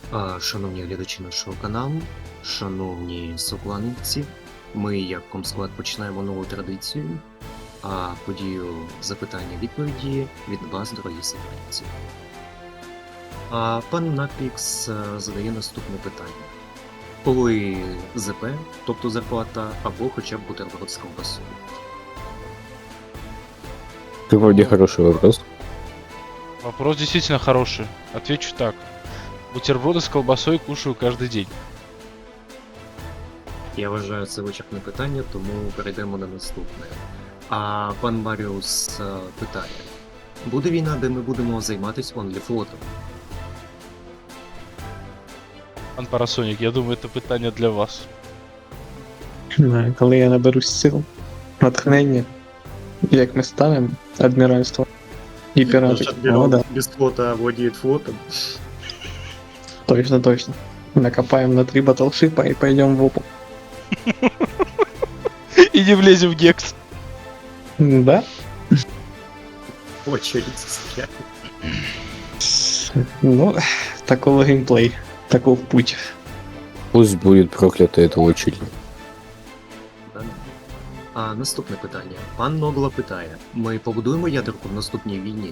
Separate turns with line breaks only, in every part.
Шановні глядачі нашого каналу, шановні соклановці, ми як Комсклад починаємо нову традицію, подію запитання-відповіді від вас, дорогі сокланівці. Пан Напікс задає наступне питання. Коли ЗП, тобто зарплата, або хоча б бутерброд з ковбасою?
Ты вроде хороший вопрос.
Вопрос действительно хороший. Отвечу так. Бутерброды с колбасой кушаю каждый день.
Я вважаю це вичерпне питання, тому перейдемо на наступне. Пан Маріус питає. Буде війна, де ми будемо займатися онліфлотом?
Пан Парасонік, я думаю, це питання для вас.
Коли я наберусь сил, натхнення, як ми ставимо адміральство і пірати. О, да,
Без флота владіє флотом.
точно. Накопаем на 3 батлшипа и пойдем в опу.
И не влезем в гекс.
Да?
Очередь стріляє.
Ну, такого геймплей, таков путь.
Пусть будет проклята эта очередь.
Наступне питання. Пан Ногла питає. Ми побудуємо ядерку в наступній війні?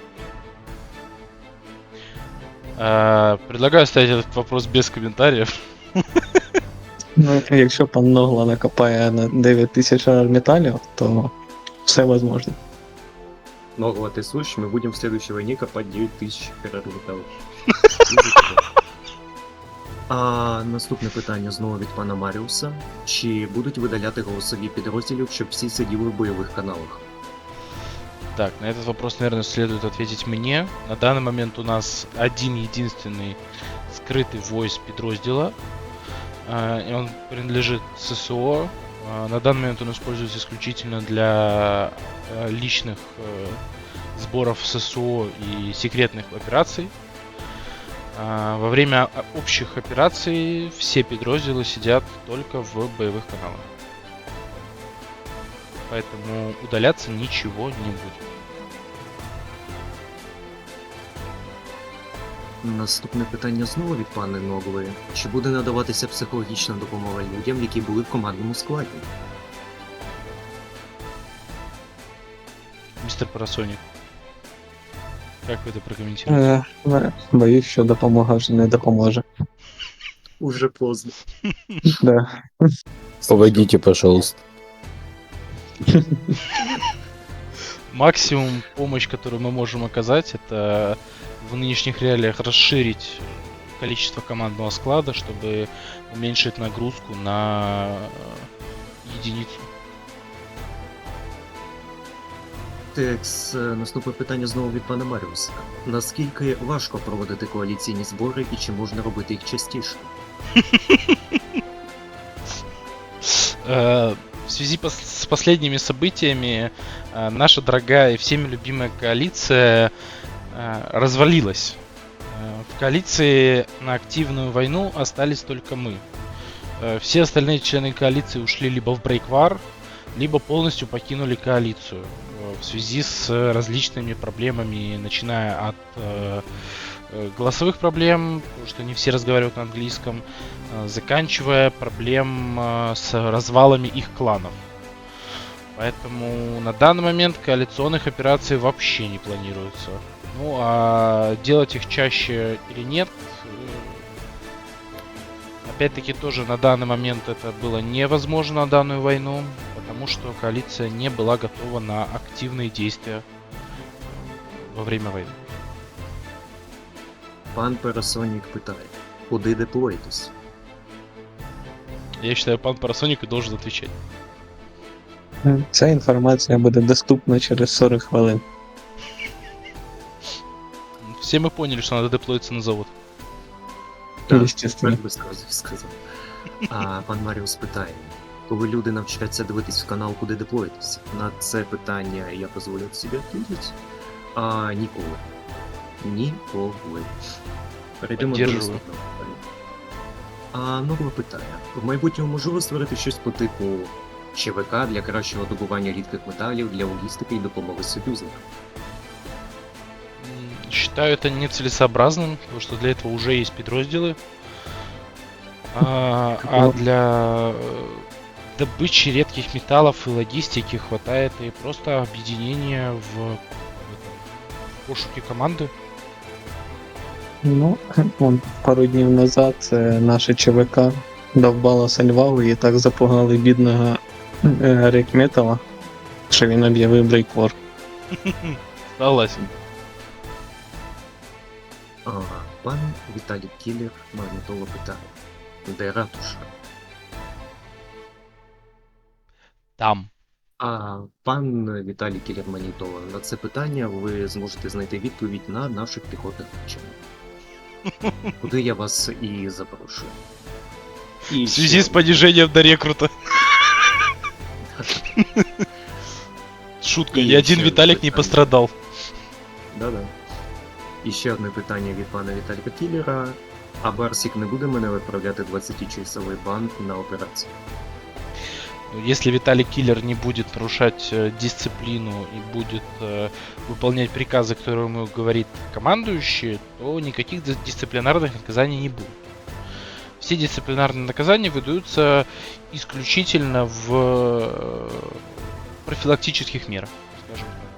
Предлагаю оставить этот вопрос без комментариев.
Ну, якщо пан Ногла накопає на 9000 арметалів, то все возможно.
Ногла, ты слышишь? Мы будем в следующей войне копать 9000 переробіталів. Наступне питання знову від пана Маріуса. Чи будуть видаляти голосові підрозділів, щоб всі сиділи в бойових каналах?
Так, на этот вопрос, наверное, следует ответить мне. На данный момент у нас один-единственный скрытый voice подраздела. И он принадлежит ССО. На данный момент он используется исключительно для личных сборов ССО и секретных операций. Во время общих операций все подразделы сидят только в боевых каналах. Поэтому удаляться ничего не будет.
Наступне питання знову від пани Ноглої. Чи буде надаватися психологічна допомога людям, які були в командному складі?
Мистер Парасоник, как вы это прокомментируете?
Боюсь, що допомога вже не допоможе.
Уже поздно.
Да.
Поводите, пожалуйста.
Максимум помощь, которую мы можем оказать, это в нынешних реалиях расширить количество командного склада, чтобы уменьшить нагрузку на единицу.
Текс, наступне питання знову від пана Маріуса. Наскільки важко проводити коаліційні збори і чи можна робити їх частіше?
В связи с последними событиями наша дорогая и всеми любимая коалиция развалилась. В коалиции на активную войну остались только мы. Все остальные члены коалиции ушли либо в брейквар, либо полностью покинули коалицию в связи с различными проблемами, начиная от голосовых проблем, потому что не все разговаривают на английском, заканчивая проблем с развалами их кланов. Поэтому на данный момент коалиционных операций вообще не планируется. Ну а делать их чаще или нет, опять-таки тоже на данный момент это было невозможно на данную войну, потому что коалиция не была готова на активные действия во время войны.
Пан Парасонік питає. Куди деплоїтесь?
Я считаю, пан Парасоник и должен отвечать.
Ця інформація буде доступна через 40 хвилин.
Все мы поняли, что надо деплоиться на завод.
Естественно.
Так би сказав. Пан Маріус питає. Коли люди навчаться дивитись в канал, куди деплоїтесь? На це питання я дозволю собі відповідати? Ніколи. Ніколи. Перейдемо до
Поддержую.
наступного питання. Ногла питає. В майбутньому можливо створити щось по типу ЧВК для кращого добування рідких металів, для логістики і допомоги союзникам?
Считаю это нецелесообразным, потому что для этого уже есть подразделы. А для добычи редких металлов и логистики хватает и просто объединения в пошуке команды.
Ну, вон, пару днів назад наше ЧВК довбало Сальваву і так запугали бідного Рекметова, що він об'явив брейквор.
Согласен.
Пан Віталій Кілер Магнітола питає, де ратуша?
Там.
Пан Віталій Кілер Магнітола, на це питання ви зможете знайти відповідь на наших піхотних навчаннях. Куди я вас і запрошую. І
В связи с понижением до рекрута. Шутка,
И
ни один
еще
Виталик не
питание.
пострадал.
Да-да. І ще одне питання від пана Віталіка Кілера. А Барсік не буде мене відправляти 20-часовий бан на операцію?
Ну, если Виталий Киллер не будет нарушать дисциплину и будет выполнять приказы, которые ему говорит командующий, то никаких дисциплинарных наказаний не будет. Все дисциплинарные наказания выдаются исключительно в профилактических мерах, скажем так.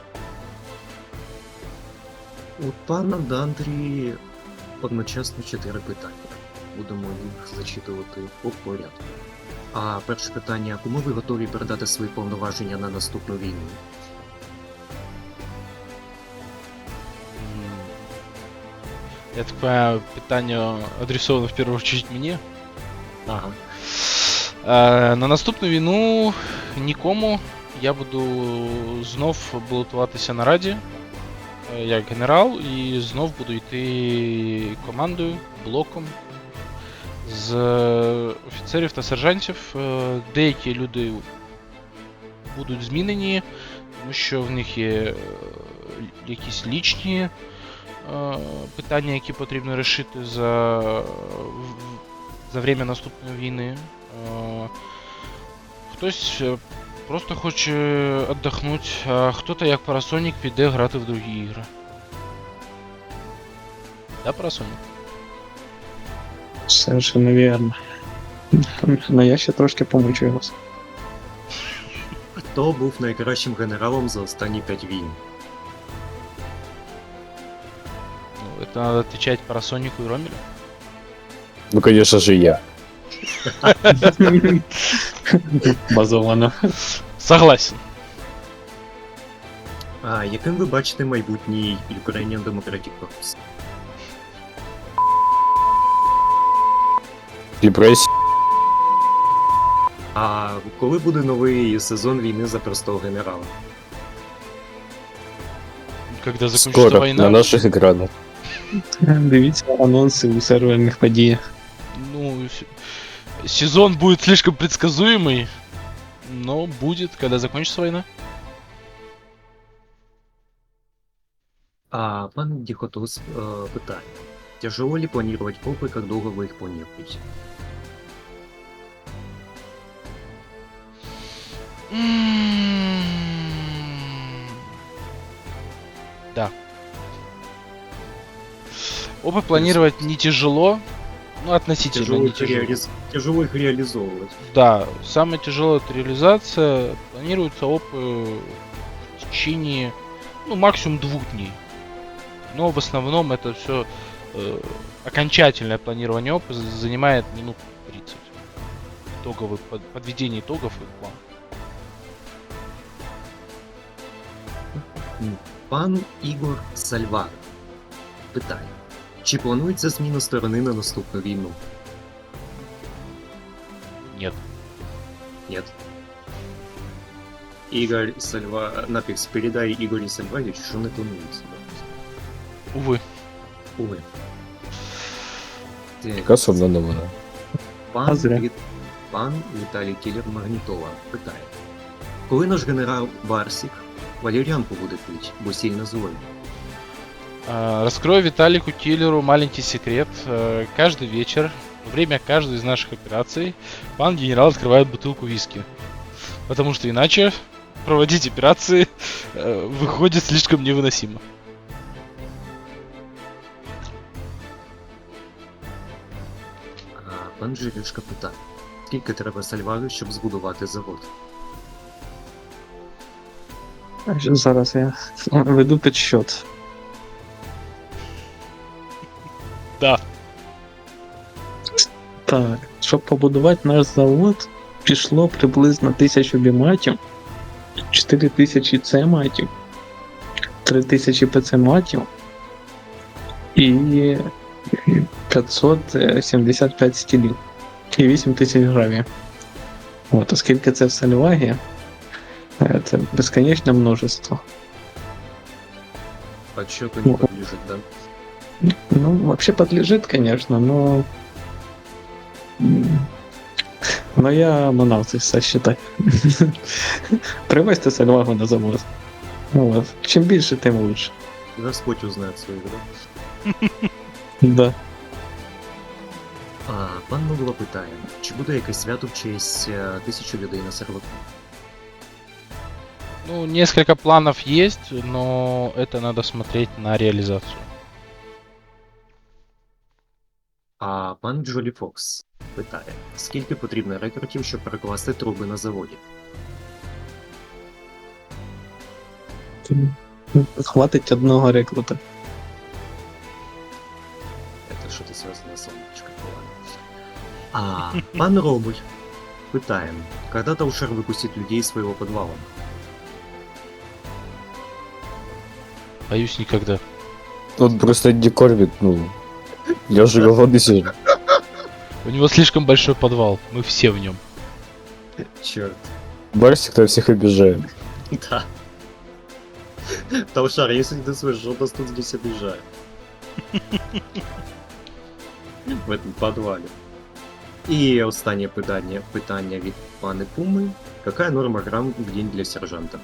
У пана Дандрі одночасно 4 питання. Будемо їх зачитувати по порядку. Перше питання. Кому ви готові передати свої повноваження на наступну війну?
Я так понимаю, питание адресовано в первую очередь мне.
Ага.
На наступну війну нікому. Я буду знов балотуватися на раді як генерал і знов буду йти командою, блоком з офіцерів та сержантів. Деякі люди будуть змінені, тому що в них є якісь лічні питання, які потрібно вирішити за время наступної війни. Хтось просто хоче віддохнути, а хто-то, як Парасонік, піде грати в другі ігри. Да, Парасонік?
Совершенно вірно. Но я ще трошки помучу вас.
Хто був найкращим генералом за останні 5 війн?
Ну, это надо отвечать Парасонику и Ромелю.
Ну, конечно же, я.
Базовано.
Согласен.
Яким ви бачите майбутній Ukrainian Democratic Corps?
Депрессия.
Коли буде новий сезон війни за простого генерала?
Когда закончится
Скоро,
война.
на наших экранах.
Дивіться анонси у серверних подіях.
Ну, сезон будет слишком предсказуемый, но будет, когда закончится война.
Пан Дихотос питає. Тяжело ли планировать попы, как долго вы их планируете?
Да. Опыт планировать не тяжело, ну относительно не тяжело.
Тяжело их реализовывать.
Да, самое тяжелое это реализация. Планируется опыт в течение, ну, максимум 2 дней. Но в основном это все окончательное планирование опыта занимает минут 30. Итоговый, подведение итогов и план.
Пан Ігор Сальвар питає. Чи планується зміна сторони на наступну війну?
Нет.
Нет. Ігор Сальва... Напікс, передай Ігорі Сальваричу, що не планується.
Увы.
Увы.
Яка сумна новина.
Пан,
зря.
Пан Віталій Кілер Магнітола питає. Коли наш генерал Барсік валерьянку буде пить, бо сильно злой?
Раскрою Виталику Киллеру маленький секрет. Каждый вечер, во время каждой из наших операций, пан генерал открывает бутылку виски. Потому что иначе проводить операции выходит слишком невыносимо.
пан Жирішка питає. Скільки треба сальварів, щоб збудувати завод?
Зараз я веду підсчет.
Да.
Так, щоб побудувати наш завод, пішло приблизно 1000 біматів, 4000 С-матів, 3000 ПЦ-матів і 575 стілів і 8000 гравів. От, оскільки це в Сальвагі, це безконечне множество.
Подсчету не подлежит, да?
Ну, вообще подлежит, конечно, но... Но я манав це все считать. Привезти Сальвагу на завод. Ну, от. Чим більше, тим лучше.
Господь узнает своих, да?
Да.
Пан Мугла питає, чи буде якесь свято в честь 1000 людей на серваку?
Ну, несколько планов есть, но это надо смотреть на реализацию.
А пан Джолі Фокс питає, скільки потрібно рекрутів, щоб перекласти труби на заводі?
Хватить одного рекрута.
Это что-то связано с солнышком. Пан Робуль питає, когда Таушер выпустит людей из своего подвала?
Боюсь, никогда.
Тут просто Эдди Корбит, ну... Я же голодный сижу.
У него слишком большой подвал, мы все в нем.
Черт.
Барсик, кто всех обижает.
Да. Таушар, если ты слышишь, он нас тут здесь обижает. В этом подвале. І останнє питання від пани Пуми. Какая норма грамм в день для сержанта?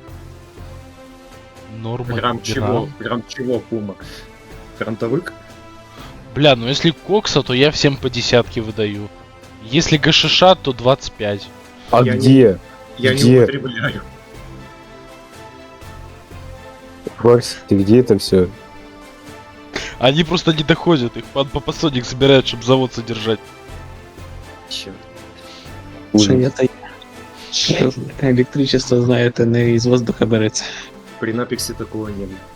Норма
Грамм чего? Грамм чего, Пума? Фронтовик?
Бля, ну если кокса, то я всем по десятке выдаю. Если ГШШ, то 25.
А
Я
где?
Я
Где?
не употребляю.
Барсик, ты где это все?
Они просто не доходят, их пан Папасоник собирает, чтобы завод содержать.
Черт.
Що я та електричество, знаєте, не із воздуха береться.
При напексе такого не было.